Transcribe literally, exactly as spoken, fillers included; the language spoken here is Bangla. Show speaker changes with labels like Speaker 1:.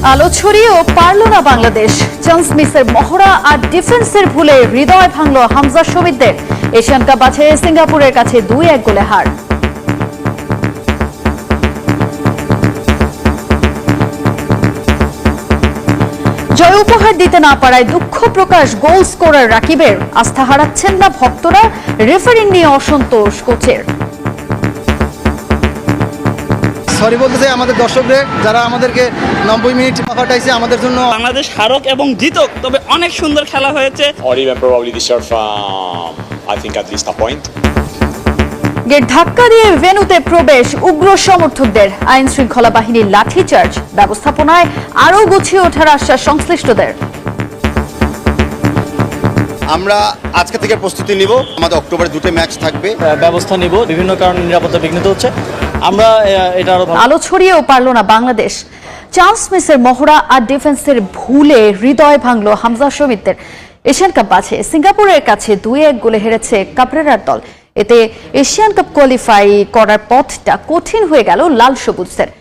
Speaker 1: আলো ছড়িয়েও পারল না বাংলাদেশ। চান্স মিসের মহড়া আর ডিফেন্সের ভুলে হৃদয় ভাঙল হামজা শমীদদের। এশিয়ান কাপ বাছাইয়ে সিঙ্গাপুরের কাছে দুই এক গোলে হার। জয় উপহার দিতে না পারায় দুঃখ প্রকাশ গোল স্কোরার রাকিবের। আস্থা হারাচ্ছেন না ভক্তরা, রেফারি নিয়ে অসন্তোষ কোচের।
Speaker 2: সরি বলতে চাই আমাদের দর্শকদের, যারা আমাদেরকে নব্বই মিনিট পাঠাইছে আমাদের জন্য।
Speaker 3: বাংলাদেশ হারক এবং জিতক, তবে অনেক সুন্দর খেলা হয়েছে।
Speaker 4: Or even probably deserve, um, I think, at least a point.
Speaker 1: Gate ধাক্কা দিয়ে ভেন্যুতে প্রবেশ উগ্র সমর্থকদের। আইন শৃঙ্খলা বাহিনীর লাঠিচার্জ, ব্যবস্থাপনায় আরও গুছিয়ে ওঠার আশ্বাস সংশ্লিষ্টদের।
Speaker 5: আমরা আজকে থেকে প্রস্তুতি নিব। আমাদের অক্টোবরে দুটো ম্যাচ থাকবে,
Speaker 6: ব্যবস্থা নিব। বিভিন্ন কারণে নিরাপত্তা বিঘ্নিত হচ্ছে, আমরা এটা আরো
Speaker 1: আলো ছড়িয়েও পারল না বাংলাদেশ। চান্স মিসের মহড়া আর ডিফেন্সের ভুলে হৃদয় ভাঙল হামজা শমীদদের। এশিয়ান কাপ বাছাইয়ে সিঙ্গাপুরের কাছে দুই এক গোলে হেরেছে কাবরেরার দল। এতে এশিয়ান কাপ কোয়ালিফাই করার পথটা কঠিন হয়ে গেল লাল সবুজদের।